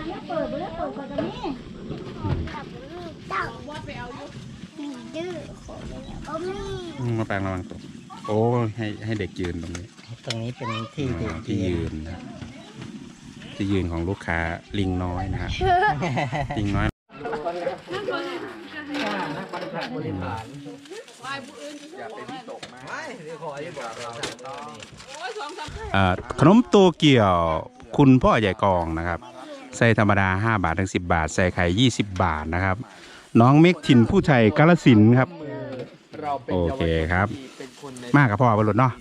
มาแปลงระวังตกโอ้ให้เด็กยืนตรงนี้เป็นที่เด็กที่ยืนนะที่ยืนของลูกค้าลิงน้อยนะครับลิงน้อยขนมโตเกียวคุณพ่อใหญ่กองนะครับใส่ธรรมดา5 บาทถึง10 บาทใส่ไข่20 บาทนะครับน้องเมกถิ่นผู้ชัยกาฬสินธุ์ครับโอเคครับมากกับพ่อบรรลุเนาะ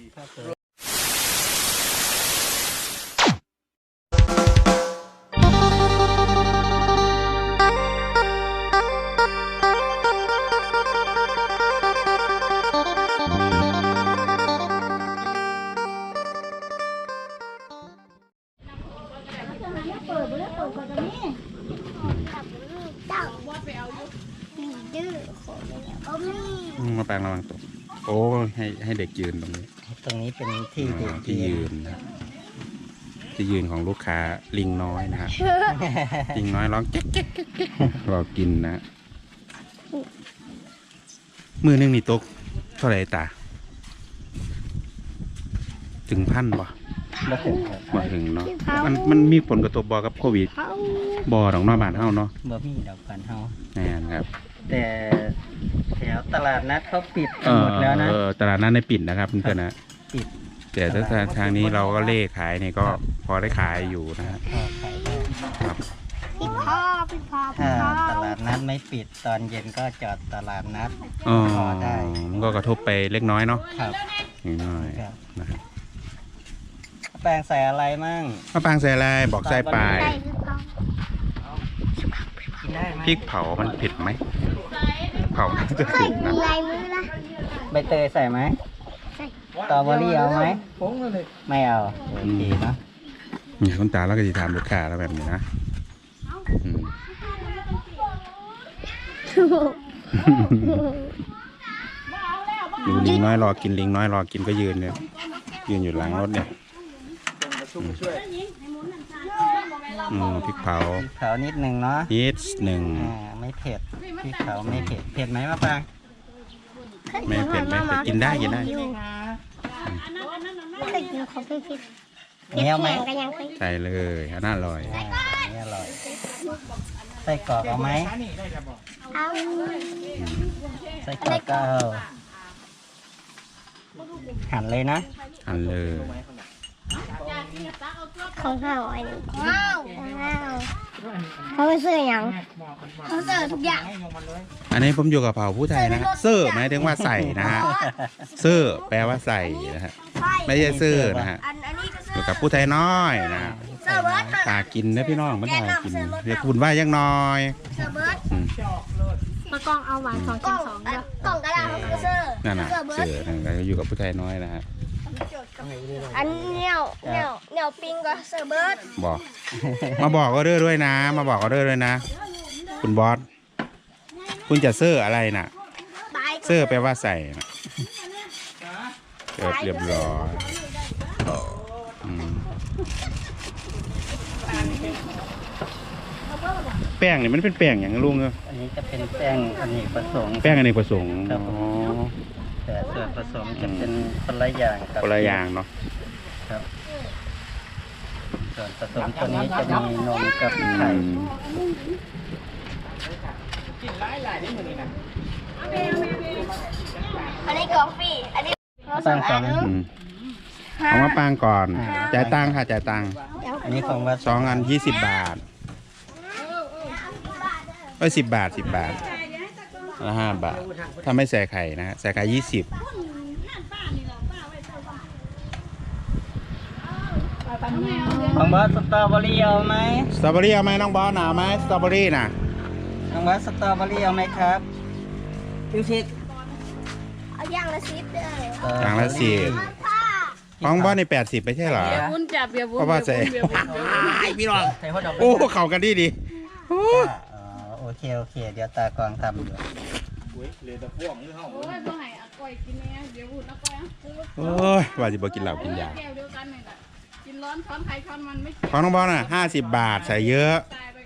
มาแปลงระวังตกโอ้ให้เด็กยืนตรงนี้เป็นที่เด็กที่ยืนนะที่ยืนของลูกค้าลิงน้อยนะครับลิงน้อยร้องเก๊กเก๊กเก๊กรอกินนะมือนึงนี่ตกเท่าไหร่ตาถึง1,000บ่มาถึงเนาะมันมีผลกระทบบ่กับโควิดบ่ดอกนอกบ้านเฮาเนาะบ่มีดอกบ้านเฮาแน่นครับแต่แถวตลาดนัดเขาปิดหมดแล้วนะตลาดนัดในปิดนะครับเพื่อนๆนะปิดแต่ถ้าทางนี้เราก็เล่ขายนี่ก็พอได้ขายอยู่นะฮะครับถ้าตลาดนัดไม่ปิดตอนเย็นก็จอดตลาดนัดพอได้มันก็กระทบไปเล็กน้อยเนาะครับน้อยนะครับแปลงใส่อะไรมั่งมะปรางใส่อะไรบอกใส่ปลายพริกเผามันเผ็ดไหมเผาจะถูกนะใบเตยใส่ไหมสตรอเบอรี่เอาไหมไม่เอาโอเคนะเนี่ยคุณตาเราก็จะทำลูกค้าแล้วแบบนี้นะลิงน้อยรอกินลิงน้อยรอกินก็ยืนเนี่ยยืนอยู่หลังรถเนี่ยพริกเผานิดหนึ่งเนาะนิดหนึ่งไม่เผ็ดพริกเผาไม่เผ็ดเผ็ดไหมมะปรางไม่เผ็ดกินได้เนี้ยไหมใส่เลยน่าอร่อยใส่กรอกเอาไหมใส่กรอกก็หั่นเลยนะหั่นเลยของเขาอันนี้เขาเสื้ออย่างเขาเสื้อทุกอย่างอันนี้ผมอยู่กับเผ่าผู้ไทยนะเสื้อหมายถึงว่าใส่นะฮะเสื้อแปลว่าใส่นะฮะไม่ใช่เสื้อนะฮะอยู่กับผู้ไทยน้อยนะตากินนะพี่น้องไม่ได้กินเรียกคุณว่ายังน้อยมากองเอาหวาน2 กิน 2เด้อกล่องกระดาษเขาเสื้อนั่นน่ะเสื้ออยู่กับผู้ไทยน้อยนะฮะอันเหนียวปิ้งก็เซอร์เบิร์ดบอกมาบอกก็เด้อด้วยนะมาบอกก็เด้อด้วยนะคุณบอสคุณจะเสื้ออะไรน่ะเสื้อแปลว่าใส่นะเรียบร้อยแป้งนี่มันเป็นแป้งอย่างลุงเหรออันนี้จะเป็นแป้งอเนกประสงค์แป้งอเนกประสงค์แต่ส่วนผสมจะเป็นคนละอย่างกับคนละอย่างเนาะครับส่วนผสมตัวนี้จะมีนมกับไข่อันนี้กาแฟอันนี้ตั้งก่อนเอามาปางก่อนจ่ายตังค่ะจ่ายตังอันนี้ของว่า 2 อัน20 บาท10 บาทละ5 บาทถ้าไม่ใส่ไข่นะฮะใส่ไข่20 น้องบอสสตรอเบอรี่เอาไหมสตรอเบอรี่เอาไหมน้องบอสหนาไหมสตรอเบอรี่น่ะน้องบอสสตรอเบอรี่เอาไหมครับดูสิเอาอย่างละ10เลยอย่างละ10ของบอสใน80ไม่ใช่เหรอเพราะว่าใส่พี่น้องโอ้เข้ากันดีโอเคเดี๋ยวตากองทำอยู่โอ้ยว่าจะบอกินเหล้ากินยาของน้องบอลน่ะ50 บาทใส่เยอะ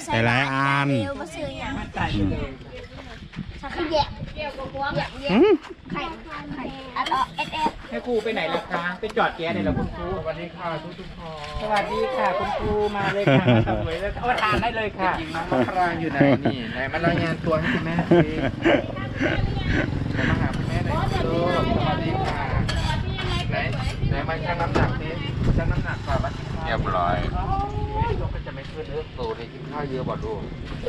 ใส่หลายๆอันเดียวมาซื้ออย่างอืมสักแยกอืมไข่อัดเอสแม่ครูไปไหนล่ะคะไปจอดแก๊สไหนล่ะคุณครูสวัสดีค่ะทุกคนสวัสดีค่ะคุณครูมาเลยค่ะมาสวยเลยเอาทานได้เลยค่ะจริงน้องมะปรางอยู่ไหนนี่ไหนมารายงานตัวให้คุณแม่สิมาหาคุณแม่หน่อยลูกสวัสดีค่ะไหนมาชั่งน้ำหนักสิชั่งน้ำหนักก่อนมากินข้าวเรียบร้อยลูกก็จะไม่ขึ้นเนื้อโตในกินข้าวเยอะบ่ลูก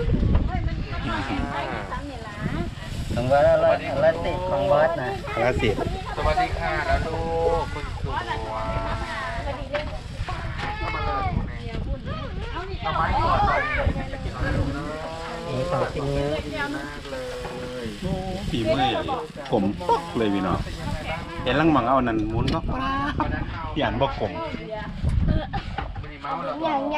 ผมว่าละติดของบอสนะละสิบสวัสดีค่ะแล้วลูกคุณครูเอาไม้กอดเลยนี่ของจริงเยอะดีมากเลยฝีมือใหญ่ผมปอกเลยพี่น้องเห็นลังมังเอานั่นหมุนก็หยานบอกผมอย่างใหญ่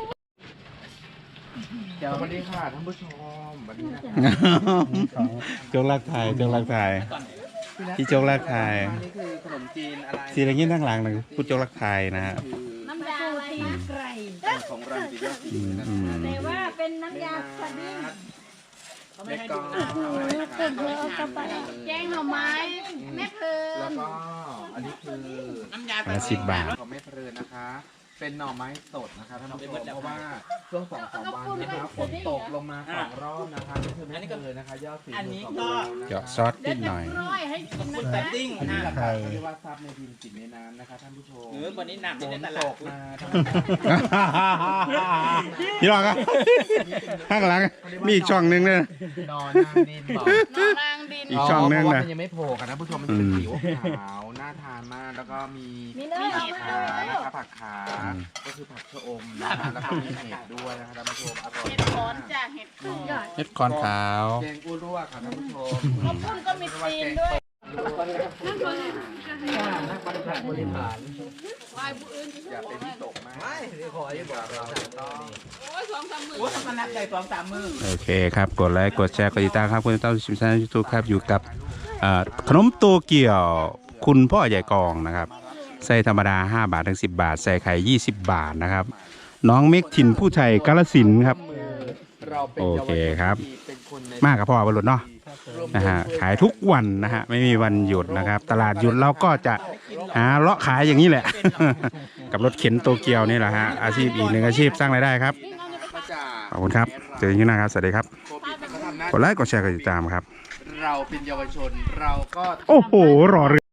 เดี๋ยวสวัสดีค่ะท่านผู้ชมสวัสดีนะโจกลักไทยโจกลักไทยที่โจกลักไทยนี่คือขนมจีนอะไรสีอะไรเงี้ยทั้งหลังหนึ่งพูดโจกลักไทยนะฮะน้ำยาตีไก่ของรังสียอดอืมอืมแต่ว่าเป็นน้ำยาสดิ้งเล็กก็เก็บเยอะกระเป๋าแกงหน่อไม้แม่เพลิแล้วนก็อันนี้คือน้ำยาละ10 บาทของแม่เพลินนะคะ เป็นหน่อไม้สดนะคะท่านผู้ชมเพราะว่าช่วง2-3 วันนะคะฝนตกลงมา2 รอบนะคะนี่คือแม่เพลินนะคะยอดสี2 เจาะซอสนิดหน่อยร้อยให้กินนะแต่คะติ้งอันนี้ราคาเรียกว่าซับในดินกินในน้ำนะคะท่านผู้ชมวันนี้หนักฝนตกมาพี่รองครับข้างหลังมีอีกช่องหนึงเนี่ยนอนนางดินบอกหน่อนางดินอีกช่องนึงเพราะว่านะมันยังไม่โผล่กันนะผู้ชมมันจะเป็นผิวขาวน่าทานมากแล้วก็มีผักขานะคะผักขาก็คือผักชะอมนะคะแล้วก็มีเห็ดด้วยนะคะท่านผู้ชมอร่อยเห็ดขอนจ้ะเห็ดพึ่งเฮ็ดคอนขาวแกงอุ้รั่วค่ะท่านผู้ชมข้าวปุ้นก็มีตีนด้วยนักบริหารวายผู้อื่นที่อย่าเป็นที่ตกมากไม่ขออย่าบอกเราต้องโอ้ย2-3 มื้อโอ้มันนับใจ2-3 มือโอเคครับกดไลค์กดแชร์กดติดตามครับคุณต้าชิมชาแนลยูทูบครับอยู่กับขนมโตเกียวคุณพ่อใหญ่กองนะครับใส่ธรรมดา5 บาทถึง10 บาทใส่ไข่20 บาทนะครับน้องเมกถิ่นผู้ชัยกาฬสินธุ์ครับเราเป็นโอเยาวเคชนครับที่เป็นคนในมากกับพ่อบรรลุเนาะนะฮะขายทุกวันนะฮะไม่มีวันหยุดนะครับตลาดหยุดเราก็จะหาเลาะขายอย่างนี้แหละ กับรถเข็นโตเกียวนี่แหละฮะอาชีพอีกหนึ่งอาชีพสร้างรายได้ครับขอบคุณครับเจอกันที่หน้าครับสวัสดีครับโควิดมันก็ทำหน้ากดไลค์กดแชร์กดติดตามครับเราเป็นเยาวชนเราก็โอ้โหรอเรือ